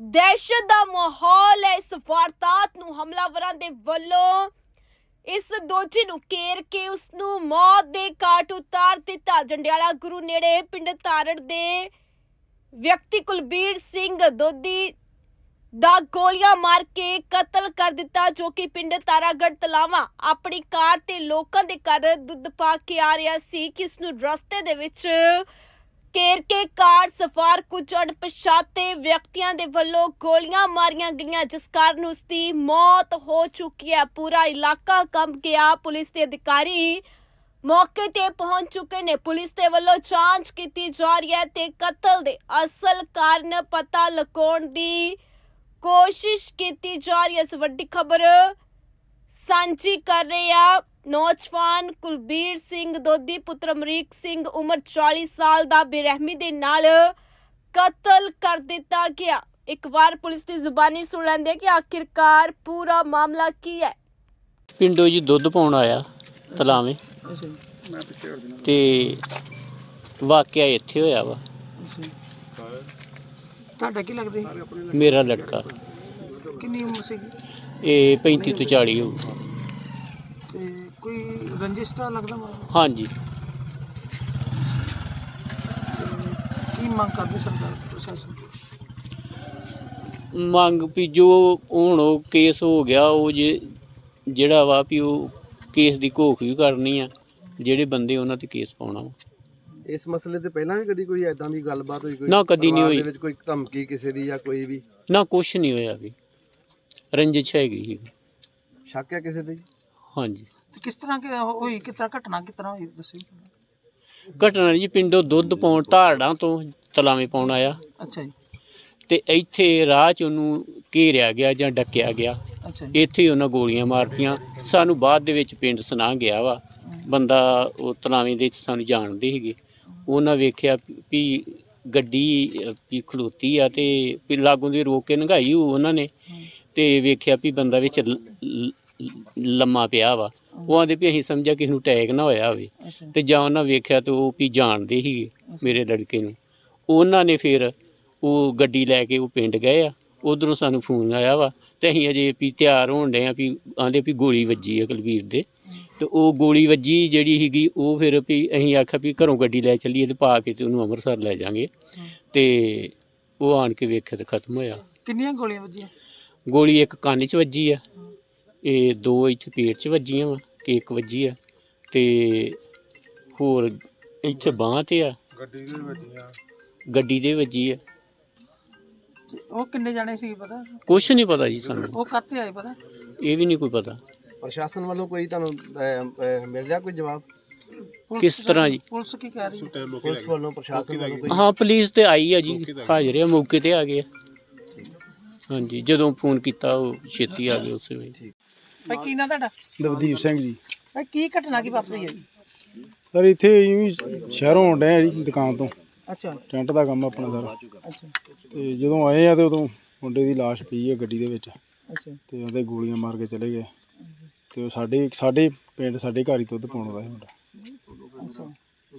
दहशत दा माहौल है। इस वारदात नूं हमलावरां दे वल्लों इस दोषी नूं घेर के उसनूं मौत दे घाट उतार दिता। जंडियाला गुरु नेड़े पिंड तारड़ दे व्यक्ति कुलबीर सिंह दोधी दा गोलियां मार के कतल कर दिता, जो कि पिंड तारागढ़ तलावा अपनी कार ते लोकां दे घर दुੱਧ पा के आ रहा सी कि उसनूं रस्ते दे विच घेर के कार सवार कुछ अणपछाते व्यक्तियों के वल्लों गोलियां मारियां गईयां, जिस कारण उसकी मौत हो चुकी है। पूरा इलाका कंब गया। पुलिस के अधिकारी मौके ते पहुंच चुके ने। पुलिस के वल्लों जांच की जा रही है ते कतल दे असल कारण पता लगाउण दी कोशिश की जा रही है। इस वड्डी खबर सांझी कर रहे हैं। नौजवान कुलबीर सिंह दोधी पुत्र अमरीक सिंह उम्र 40 साल का बेरहमी दे नाल कतल कर दिता गया। एक बार पुलिस की जुबानी सुन लेंदे कि आखिरकार पूरा मामला की है। पिंडों जी दुੱਧ पाउण आया तलावें ते वाकया इत्थे होया वा। ਤੁਹਾਡਾ ਕੀ ਲੱਗਦਾ ਸੀ? मेरा लड़का ਕਿੰਨੀ ਉਮਰ ਸੀ ये 35 ਤੋਂ 40 ਹੋਊ। ਤੇ ਕੋਈ ਰੰਜਿਸ਼ ਤਾਂ ਲੱਗਦਾ ਮੈਨੂੰ? हाँ जी। ਕੀ ਮੰਗ ਕਰਦੇ ਸਰਕਾਰ ਪ੍ਰਸ਼ਾਸਨ? ਮੰਗ ਵੀ ਜੋ ਹੁਣ ਉਹ ਕੇਸ ਹੋ ਗਿਆ ਉਹ ਜਿਹੜਾ ਵਾ ਵੀ ਉਹ ਕੇਸ ਦੀ ਘੋਖ ਵੀ ਕਰਨੀ ਆ, ਜਿਹੜੇ ਬੰਦੇ ਉਹਨਾਂ ਤੇ ਕੇਸ ਪਾਉਣਾ ਵਾ। ਇਸ ਮਸਲੇ ਤੇ ਪਹਿਲਾਂ ਵੀ ਕਦੀ ਕੋਈ ਐਦਾਂ ਦੀ ਗੱਲਬਾਤ ਹੋਈ? ਕੋਈ ਨਾ ਕਦੀ ਨਹੀਂ ਪਰਿਵਾਰ ਹੋਈ। ਦੇ ਵਿੱਚ ਕੋਈ ਧਮਕੀ ਕਿਸੇ ਦੀ ਜਾਂ ਕੋਈ ਵੀ ਨਾ ਕੁਛ ਨਹੀਂ ਹੋਇਆ ਵੀ, ਰੰਜਿਸ਼ ਹੈਗੀ ਸੀ। ਸ਼ੱਕ ਹੈ ਕਿਸੇ ਤੇ? ਹਾਂਜੀ। ਤੇ ਕਿਸ ਤਰ੍ਹਾਂ ਹੋਈ, ਕਿਸ ਤਰ੍ਹਾਂ ਘਟਨਾ ਕਿਸ ਤਰ੍ਹਾਂ ਹੋਈ ਦੱਸੋ? ਘਟਨਾ ਜੀ ਪਿੰਡੋਂ ਦੁੱਧ ਪਾਉਣ ਧਾਰੜਾਂ ਤੋਂ ਤਲਾਵੇਂ ਪਾਉਣ ਆਇਆ ਅੱਛਾ ਜੀ। ਤੇ ਇੱਥੇ ਰਾਹ 'ਚ ਉਹਨੂੰ ਘੇਰਿਆ ਗਿਆ ਜਾਂ ਡੱਕਿਆ ਗਿਆ। ਅੱਛਾ ਜੀ। ਇੱਥੇ ਹੀ ਉਹਨਾਂ ਗੋਲੀਆਂ ਮਾਰਤੀਆਂ। ਸਾਨੂੰ ਬਾਅਦ ਦੇ ਵਿੱਚ ਪਿੰਡ ਸੁਣਾ ਗਿਆ ਵਾ ਬੰਦਾ, ਉਹ ਤਲਾਵੇਂ ਦੇ ਵਿੱਚ ਸਾਨੂੰ ਜਾਣਦੇ ਸੀਗੇ। ਉਹਨਾਂ ਵੇਖਿਆ ਵੀ ਗੱਡੀ ਵੀ ਖਲੋਤੀ ਆ ਤੇ ਵੀ ਲਾਗੋਂ ਦੀ ਰੋਕ ਕੇ ਲੰਘਾਈ ਉਹਨਾਂ ਨੇ, ਤੇ ਵੇਖਿਆ ਵੀ ਬੰਦਾ ਵਿੱਚ ਲੰਮਾ ਪਿਆ ਵਾ। ਉਹ ਆਂਦੇ ਵੀ ਅਸੀਂ ਸਮਝਿਆ ਕਿਸੇ ਨੂੰ ਅਟੈਕ ਨਾ ਹੋਇਆ ਹੋਵੇ, ਤੇ ਜਾਂ ਉਹਨਾਂ ਵੇਖਿਆ ਤੇ ਉਹ ਵੀ ਜਾਣਦੇ ਸੀਗੇ ਮੇਰੇ ਲੜਕੇ ਨੂੰ। ਉਹਨਾਂ ਨੇ ਫਿਰ ਉਹ ਗੱਡੀ ਲੈ ਕੇ ਉਹ ਪਿੰਡ ਗਏ ਆ। ਉਧਰੋਂ ਸਾਨੂੰ ਫੋਨ ਆਇਆ ਵਾ ਤੇ ਅਸੀਂ ਅਜੇ ਵੀ ਤਿਆਰ ਹੋਣ ਡਏ ਆ ਵੀ ਆਂਦੇ ਵੀ ਗੋਲੀ ਵੱਜੀ ਆ ਕੁਲਬੀਰ ਦੇ। ਤੇ ਉਹ ਗੋਲੀ ਵੱਜੀ ਜਿਹੜੀ ਸੀਗੀ ਉਹ ਫਿਰ ਵੀ ਅਸੀਂ ਆਖਿਆ ਵੀ ਘਰੋਂ ਗੱਡੀ ਲੈ ਚੱਲੀਏ ਤੇ ਪਾ ਕੇ ਤੇ ਉਹਨੂੰ ਅੰਮ੍ਰਿਤਸਰ ਲੈ ਜਾਵਾਂਗੇ। ਤੇ ਉਹ ਆਣ ਕੇ ਵੇਖਿਆ ਤੇ ਖਤਮ ਹੋਇਆ। ਕਿੰਨੀਆਂ ਗੋਲੀਆਂ ਵੱਜੀਆਂ? ਗੋਲੀ ਇੱਕ ਕੰਨ 'ਚ ਵੱਜੀ ਆ, ਇਹ ਦੋ ਇੱਥੇ ਪੇਟ 'ਚ ਵੱਜੀਆਂ ਵਾ ਤੇ ਇੱਕ ਵੱਜੀ ਆ, ਤੇ ਹੋਰ ਇੱਥੇ ਬਾਂਹ ਤੇ ਆ। ਗੱਡੀ ਦੇ ਵੱਜੀ ਆ। ਤੇ ਉਹ ਕਿੰਨੇ ਜਾਣੇ ਸੀ ਪਤਾ? ਕੁਛ ਨਹੀਂ ਪਤਾ ਜੀ ਸਾਨੂੰ, ਉਹ ਕਾਹਤੇ ਆਏ ਪਤਾ? ਇਹ ਵੀ ਨਹੀਂ ਕੋਈ ਪਤਾ। ਪ੍ਰਸ਼ਾਸਨ ਵੱਲੋਂ ਕੋਈ ਤੁਹਾਨੂੰ ਮਿਲ ਰਿਹਾ ਕੋਈ ਜਵਾਬ? ਕਿਸ ਤਰ੍ਹਾਂ ਜੀ? ਪੁਲਿਸ ਕੀ ਕਹਿ ਰਹੀ ਹੈ? ਪੁਲਿਸ ਵੱਲੋਂ ਪ੍ਰਸ਼ਾਸਨ ਵੱਲੋਂ ਕੋਈ? ਹਾਂ ਪੁਲਿਸ ਤੇ ਆਈ ਆ ਜੀ, ਹਾਜ਼ਰ ਆ, ਮੌਕੇ ਤੇ ਆ ਗਏ ਆ। ਹਾਂਜੀ, ਜਦੋਂ ਫੋਨ ਕੀਤਾ ਉਹ ਛੇਤੀ ਆ ਗਏ ਉਸੇ ਵੇਲੇ। ਭਾਈ ਕੀ ਨਾਂ ਤੁਹਾਡਾ? ਦਵਦੀਪ ਸਿੰਘ ਜੀ। ਭਾਈ ਕੀ ਘਟਨਾ ਕੀ ਵਾਪਰੀ ਹੈ ਜੀ? ਸਰ ਇੱਥੇ ਸ਼ਹਿਰੋਂ ਆਉਣ ਡਏ ਆ ਜੀ ਦੁਕਾਨ ਤੋਂ। ਅੱਛਾ ਟੈਂਟ ਦਾ ਕੰਮ ਆਪਣਾ ਸਾਰਾ। ਅੱਛਾ ਤੇ ਜਦੋਂ ਆਏ ਆ ਤੇ ਉਦੋਂ ਮੁੰਡੇ ਦੀ ਲਾਸ਼ ਪਈ ਆ ਗੱਡੀ ਦੇ ਵਿੱਚ, ਅੱਛਾ ਤੇ ਉਹਦੇ ਗੋਲੀਆਂ ਮਾਰ ਕੇ ਚਲੇ ਗਏ। ਤੇ ਉਹ ਸਾਡੇ ਪਿੰਡ ਸਾਡੇ ਘਰ ਹੀ ਦੁੱਧ ਪਾਉਣ ਆਉਂਦਾ ਸੀ ਮੁੰਡਾ। ਅੱਛਾ।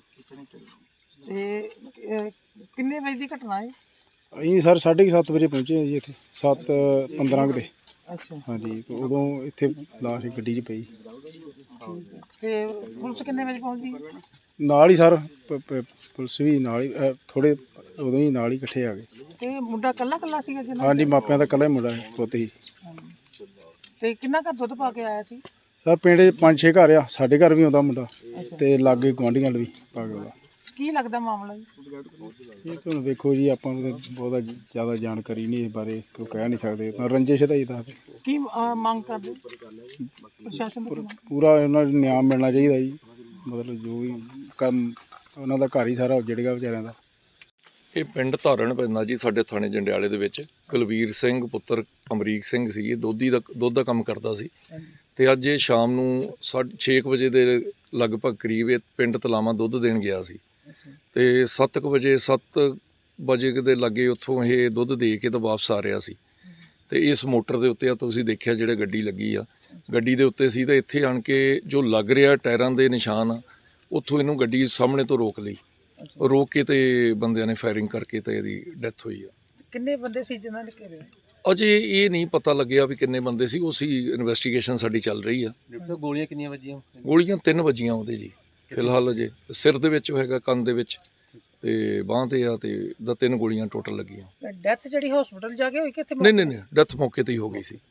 ਤੇ ਕਿੰਨੇ ਵਜੇ ਦੀ ਘਟਨਾ ਹੈ? ਅਸੀਂ ਸਰ 7:30 ਵਜੇ ਪਹੁੰਚੇ ਆ ਜੀ ਇੱਥੇ, 7:15 ਦੇ। ਅੱਛਾ। ਹਾਂਜੀ, ਤੇ ਉਦੋਂ ਇੱਥੇ ਲਾਸ਼ ਗੱਡੀ 'ਚ ਪਈ। ਤੇ ਪੁਲਿਸ ਕਿੰਨੇ ਵਜੇ ਪਹੁੰਚੀ? ਨਾਲ ਹੀ ਸਰ ਪੁਲਿਸ ਵੀ ਨਾਲ ਹੀ, ਥੋੜ੍ਹੇ ਉਦੋਂ ਹੀ ਨਾਲ ਹੀ ਇਕੱਠੇ ਆ ਗਏ। ਤੇ ਮੁੰਡਾ ਇਕੱਲਾ ਸੀਗਾ ਜੀ? ਹਾਂਜੀ, ਮਾਪਿਆਂ ਦਾ ਇਕੱਲਾ ਹੀ ਮੁੰਡਾ ਪੁੱਤ ਸੀ। ਤੇ ਕਿੰਨਾ ਘਰ ਦੁੱਧ ਪਾ ਕੇ ਆਇਆ ਸੀ? ਸਰ ਪਿੰਡ 'ਚ 5-6 ਘਰ ਆ, ਸਾਡੇ ਘਰ ਵੀ ਆਉਂਦਾ ਮੁੰਡਾ ਤੇ ਲਾਗੇ ਗੁਆਂਢੀਆਂ ਵੀ ਪਾ ਕੇ ਆਉਂਦਾ। ਕੀ ਲੱਗਦਾ ਮਾਮਲਾ ਜੀ? ਇਹ ਤਾਂ ਹੁਣ ਵੇਖੋ ਜੀ, ਆਪਾਂ ਨੂੰ ਤਾਂ ਬਹੁਤਾ ਜ਼ਿਆਦਾ ਜਾਣਕਾਰੀ ਨਹੀਂ ਇਸ ਬਾਰੇ, ਕੋਈ ਕਹਿ ਨਹੀਂ ਸਕਦੇ। ਤਾਂ ਰੰਜਿਸ਼ ਦਾ ਹੀ ਦੱਸਦੇ। ਕੀ ਮੰਗ ਕਰਦੇ ਪ੍ਰਸ਼ਾਸਨ ਤੋਂ? ਪੂਰਾ ਉਹਨਾਂ ਨੂੰ ਨਿਆਂ ਮਿਲਣਾ ਚਾਹੀਦਾ ਜੀ। ਮਤਲਬ ਜੋ ਵੀ ਕੰਮ ਉਹਨਾਂ ਦਾ ਘਰ ਹੀ ਸਾਰਾ ਉੱਜੜ ਗਿਆ ਵਿਚਾਰਿਆਂ ਦਾ। ਇਹ ਪਿੰਡ ਧਾਰਣ ਪੈਂਦਾ ਜੀ ਸਾਡੇ ਥਾਣੇ ਜੰਡਿਆਲੇ ਦੇ ਵਿੱਚ। ਕੁਲਬੀਰ ਸਿੰਘ ਪੁੱਤਰ ਅਮਰੀਕ ਸਿੰਘ ਸੀ, ਇਹ ਦੁੱਧ ਦਾ ਕੰਮ ਕਰਦਾ ਸੀ। ਤੇ ਅੱਜ ਇਹ ਸ਼ਾਮ ਨੂੰ 6 ਵਜੇ ਦੇ ਲਗਭਗ ਕਰੀਬ ਇਹ ਪਿੰਡ ਤਲਾਵਾਂ ਦੁੱਧ ਦੇਣ ਗਿਆ ਸੀ। ਤੇ 7 ਵਜੇ ਦੇ ਲਾਗੇ ਉੱਥੋਂ ਇਹ ਦੁੱਧ ਦੇ ਕੇ ਤਾਂ ਵਾਪਸ ਆ ਰਿਹਾ ਸੀ। ਤੇ ਇਸ ਮੋਟਰ ਦੇ ਉੱਤੇ ਆ ਤੁਸੀਂ ਦੇਖਿਆ ਜਿਹੜੇ ਗੱਡੀ ਲੱਗੀ ਆ, ਗੱਡੀ ਦੇ ਉੱਤੇ ਸੀ। ਤਾਂ ਇੱਥੇ ਆਣ ਕੇ ਜੋ ਲੱਗ ਰਿਹਾ ਟਾਇਰਾਂ ਦੇ ਨਿਸ਼ਾਨ, ਉੱਥੋਂ ਇਹਨੂੰ ਗੱਡੀ ਸਾਹਮਣੇ ਤੋਂ ਰੋਕ ਲਈ। ਰੋਕ ਕੇ ਤੇ ਬੰਦਿਆਂ ਨੇ ਫਾਇਰਿੰਗ ਕਰਕੇ ਤੇ ਇਹਦੀ ਡੈਥ ਹੋਈ ਆ। ਕਿੰਨੇ ਬੰਦੇ ਸੀ ਜਿਨ੍ਹਾਂ ਨੇ ਘੇਰਿਆ? ਅਜੇ ਇਹ ਨਹੀਂ ਪਤਾ ਲੱਗਿਆ ਵੀ ਕਿੰਨੇ ਬੰਦੇ ਸੀ, ਉਸੇ ਇਨਵੈਸਟੀਗੇਸ਼ਨ ਸਾਡੀ ਚੱਲ ਰਹੀ ਆ। ਗੋਲੀਆਂ ਕਿੰਨੀਆਂ ਵੱਜੀਆਂ? ਗੋਲੀਆਂ 3 ਵੱਜੀਆਂ ਉਹਦੇ ਜੀ, ਫਿਲਹਾਲ ਅਜੇ ਸਿਰ ਦੇ ਵਿੱਚ ਹੈਗਾ, ਕੰਨ ਦੇ ਵਿੱਚ ਤੇ ਬਾਂਹ ਤੇ ਆ, ਤੇ 3 ਗੋਲੀਆਂ ਟੋਟਲ ਲੱਗੀਆਂ। ਡੈਥ ਜਿਹੜੀ ਹਸਪੀਟਲ ਜਾ ਕੇ ਹੋਈ ਕਿੱਥੇ? ਨਹੀਂ, ਡੈਥ ਮੌਕੇ ਤੇ ਹੀ ਹੋ ਗਈ ਸੀ।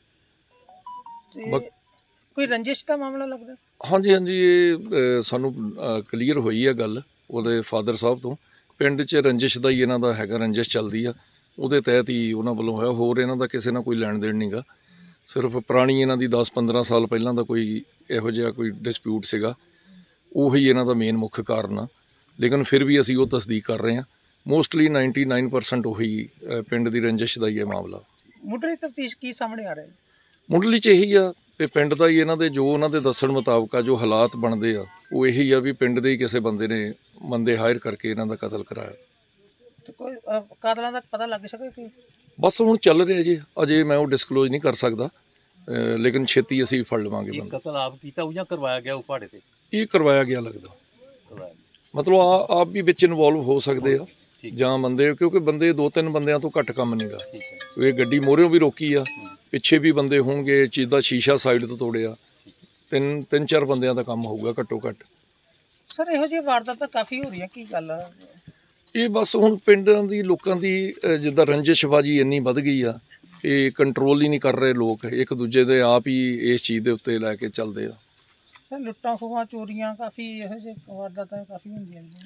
ਤੇ ਕੋਈ ਰੰਜਿਸ਼ ਦਾ ਮਾਮਲਾ ਲੱਗਦਾ? ਹਾਂਜੀ, ਇਹ ਸਾਨੂੰ ਕਲੀਅਰ ਹੋਈ ਆ ਗੱਲ ਉਹਦੇ ਫਾਦਰ ਸਾਹਿਬ ਤੋਂ। ਪਿੰਡ 'ਚ ਰੰਜਿਸ਼ ਦਾ ਹੀ ਇਹਨਾਂ ਦਾ ਹੈਗਾ, ਰੰਜਿਸ਼ ਚੱਲਦੀ ਆ, ਉਹਦੇ ਤਹਿਤ ਹੀ ਉਹਨਾਂ ਵੱਲੋਂ ਹੋਇਆ। ਹੋਰ ਇਹਨਾਂ ਦਾ ਕਿਸੇ ਨਾਲ ਕੋਈ ਲੈਣ ਦੇਣ ਨਹੀਂਗਾ, ਸਿਰਫ ਪੁਰਾਣੀ ਇਹਨਾਂ ਦੀ 10-15 ਸਾਲ ਪਹਿਲਾਂ ਦਾ ਕੋਈ ਇਹੋ ਜਿਹਾ ਕੋਈ ਡਿਸਪਿਊਟ ਸੀਗਾ, ਉਹੀ ਇਹਨਾਂ ਦਾ ਮੇਨ ਮੁੱਖ ਕਾਰਨ ਆ। ਲੇਕਿਨ ਫਿਰ ਵੀ ਅਸੀਂ ਉਹ ਤਸਦੀਕ ਕਰ ਰਹੇ ਹਾਂ। ਮੋਸਟਲੀ 99% ਉਹੀ ਪਿੰਡ ਦੀ ਰੰਜਿਸ਼ ਦਾ ਹੀ ਇਹ ਮਾਮਲਾ। ਮੁੱਢਲੀ ਤਫਤੀਸ਼ ਕੀ ਸਾਹਮਣੇ ਆ ਰਿਹਾ ਹੈ? ਮੁੱਢਲੀ 'ਚ ਇਹੀ ਆ ਕਿ ਪਿੰਡ ਦਾ ਹੀ ਇਹਨਾਂ ਦੇ ਜੋ ਉਹਨਾਂ ਦੇ ਦੱਸਣ ਮੁਤਾਬਕ ਆ, ਜੋ ਹਾਲਾਤ ਬਣਦੇ ਆ, ਉਹ ਇਹੀ ਆ ਵੀ ਪਿੰਡ ਦੇ ਹੀ ਕਿਸੇ ਬੰਦੇ ਨੇ ਬੰਦੇ ਹਾਇਰ ਕਰਕੇ ਇਹਨਾਂ ਦਾ ਕਤਲ ਕਰਾਇਆ। ਤੇ ਕੋਈ ਕਾਤਲਾਂ ਦਾ ਪਤਾ ਲੱਗ ਸਕੇ ਕਿ? ਬਸ ਹੁਣ ਚੱਲ ਰਿਹਾ ਜੀ, ਅਜੇ ਮੈਂ ਉਹ ਡਿਸਕਲੋਜ਼ ਨਹੀਂ ਕਰ ਸਕਦਾ, ਲੇਕਿਨ ਛੇਤੀ ਅਸੀਂ ਫੜ ਲਵਾਂਗੇ ਬੰਦਾ। ਕਤਲ ਆਪ ਕੀਤਾ ਉਹ ਜਾਂ ਕਰਵਾਇਆ ਗਿਆ ਉਹ ਪਹਾੜੇ ਤੇ? ਇਹ ਕਰਵਾਇਆ ਗਿਆ ਲੱਗਦਾ, ਮਤਲਬ ਆਪ ਵੀ ਵਿੱਚ ਇਨਵੋਲਵ ਹੋ ਸਕਦੇ ਆ ਜਾਂ ਬੰਦੇ, ਕਿਉਂਕਿ ਬੰਦੇ 2-3 ਬੰਦਿਆਂ ਤੋਂ ਘੱਟ ਕੰਮ ਨਹੀਂਗਾ। ਇਹ ਗੱਡੀ ਮੋਹਰਿਓਂ ਵੀ ਰੋਕੀ ਆ, ਪਿੱਛੇ ਵੀ ਬੰਦੇ ਹੋਣਗੇ, ਚੀਜ਼ ਦਾ ਸ਼ੀਸ਼ਾ ਸਾਈਡ ਤੋਂ ਤੋੜਿਆ, 3-4 ਬੰਦਿਆਂ ਦਾ ਕੰਮ ਹੋਊਗਾ ਘੱਟੋ ਘੱਟ। ਸਰ ਇਹੋ ਜਿਹੀ ਵਾਰਦਾਤਾਂ ਕਾਫੀ ਹੋ ਰਹੀਆਂ, ਕੀ ਗੱਲ ਆ? ਇਹ ਬਸ ਹੁਣ ਪਿੰਡਾਂ ਦੀ ਲੋਕਾਂ ਦੀ ਜਿੱਦਾਂ ਰੰਜਿਸ਼ਬਾਜੀ ਇੰਨੀ ਵੱਧ ਗਈ ਆ, ਇਹ ਕੰਟਰੋਲ ਹੀ ਨਹੀਂ ਕਰ ਰਹੇ ਲੋਕ, ਇੱਕ ਦੂਜੇ ਦੇ ਆਪ ਹੀ ਇਸ ਚੀਜ਼ ਦੇ ਉੱਤੇ ਲੈ ਕੇ ਚੱਲਦੇ ਆ। ਸਰ ਲੁੱਟਾਂ ਖੋਹਾਂ ਚੋਰੀਆਂ ਕਾਫੀ ਇਹੋ ਜਿਹੇ ਵਾਰਦਾਤਾਂ ਕਾਫੀ ਹੁੰਦੀਆਂ ਨੇ।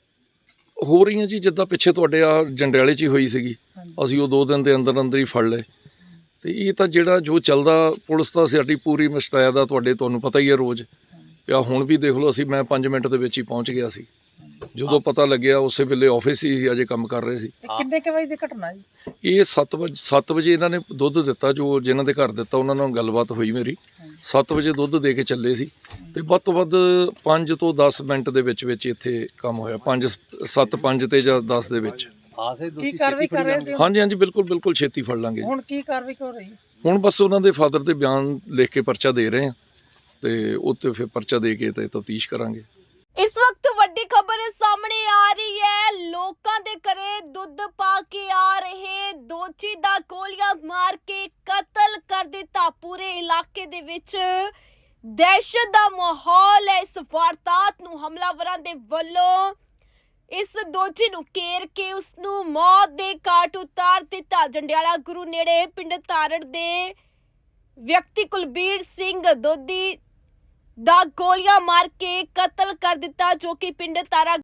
ਹੋ ਰਹੀਆਂ ਜੀ, ਜਿੱਦਾਂ ਪਿੱਛੇ ਤੁਹਾਡੇ ਆ ਜੰਡਿਆਲੇ 'ਚ ਹੀ ਹੋਈ ਸੀਗੀ, ਅਸੀਂ ਉਹ 2 ਦਿਨ ਦੇ ਅੰਦਰ ਅੰਦਰ ਹੀ ਫੜ ਲਏ। ਤੇ ਇਹ ਤਾਂ ਜਿਹੜਾ ਜੋ ਚੱਲਦਾ, ਪੁਲਿਸ ਤਾਂ ਸਾਡੀ ਪੂਰੀ ਮੁਸ਼ਤੈਦ ਆ, ਤੁਹਾਨੂੰ ਪਤਾ ਹੀ ਹੈ ਰੋਜ਼ ਪਿਆ। ਹੁਣ ਵੀ ਦੇਖ ਲਓ, ਮੈਂ 5 ਮਿੰਟ ਦੇ ਵਿੱਚ ਹੀ ਪਹੁੰਚ ਗਿਆ ਸੀ, ਜਦੋਂ ਪਤਾ ਲੱਗਿਆ ਉਸੇ ਵੇਲੇ ਆਫਿਸ ਹੀ ਅਜੇ ਕੰਮ ਕਰ ਰਹੇ ਸੀ। ਕਿੰਨੇ ਕੁ ਵਜੇ ਦੀ ਘਟਨਾ ਜੀ? ਇਹ 7 ਵਜੇ ਇਹਨਾਂ ਨੇ ਦੁੱਧ ਦਿੱਤਾ, ਜੋ ਜਿਨ੍ਹਾਂ ਦੇ ਘਰ ਦਿੱਤਾ ਉਹਨਾਂ ਨਾਲ ਗੱਲਬਾਤ ਹੋਈ ਮੇਰੀ। 7 ਵਜੇ ਦੁੱਧ ਦੇ ਕੇ ਚੱਲੇ ਸੀ, ਤੇ ਵੱਧ ਤੋਂ ਵੱਧ 5 ਤੋਂ 10 ਮਿੰਟ ਦੇ ਵਿੱਚ ਇੱਥੇ ਕੰਮ ਹੋਇਆ, 5 ਤੇ ਜਾਂ 10 ਦੇ ਵਿੱਚ। ਕੀ ਕਾਰਵਾਈ ਕਰ ਰਹੇ ਹੋ? ਹਾਂਜੀ, ਬਿਲਕੁਲ ਛੇਤੀ ਫੜ ਲਾਂਗੇ। ਹੁਣ ਕੀ ਕਾਰਵਾਈ ਹੋ ਰਹੀ? ਹੁਣ ਬਸ ਉਹਨਾਂ ਦੇ ਫਾਦਰ ਦੇ ਬਿਆਨ ਲਿਖ ਕੇ ਪਰਚਾ ਦੇ ਰਹੇ ਆ, ਤੇ ਉੱਤੇ ਫਿਰ ਪਰਚਾ ਦੇ ਕੇ ਤੇ ਤਫਤੀਸ਼ ਕਰਾਂਗੇ। ਇਸ ਵਕਤ ਵੱਡੀ ਖਬਰ ਸਾਹਮਣੇ ਆ ਰਹੀ ਹੈ। ਲੋਕਾਂ ਦੇ ਘਰੇ ਦੁੱਧ ਪਾ ਕੇ ਆ ਰਹੇ ਦੋਚੀ ਦਾ ਗੋਲੀਆਂ ਮਾਰ ਕੇ ਕਤਲ ਕਰ ਦਿੱਤਾ। ਪੂਰੇ ਇਲਾਕੇ ਦੇ ਵਿੱਚ ਦਹਿਸ਼ਤ ਦਾ ਮਾਹੌਲ ਹੈ। ਇਸ ਵਾਰਦਾਤ ਨੂੰ ਹਮਲਾਵਰਾਂ ਦੇ ਵੱਲੋਂ ਇਸ ਦੋਚੀ ਨੂੰ ਘੇਰ ਕੇ ਉਸ ਨੂੰ ਮੌਤ ਦੇ ਘਾਟ ਉਤਾਰ ਦਿੱਤਾ। ਜੰਡਿਆਲਾ ਗੁਰੂ ਨੇੜੇ ਪਿੰਡ ਤਾਰੜ ਦੇ ਵਿਅਕਤੀ ਕੁਲਬੀਰ ਸਿੰਘ ਦੋਦੀ ਦਾ ਗੋਲੀਆਂ ਮਾਰ ਕੇ ਕਤਲ ਕਰ ਦਿੱਤਾ, ਜੋ ਕਿ ਪਿੰਡ ਤਾਰਾ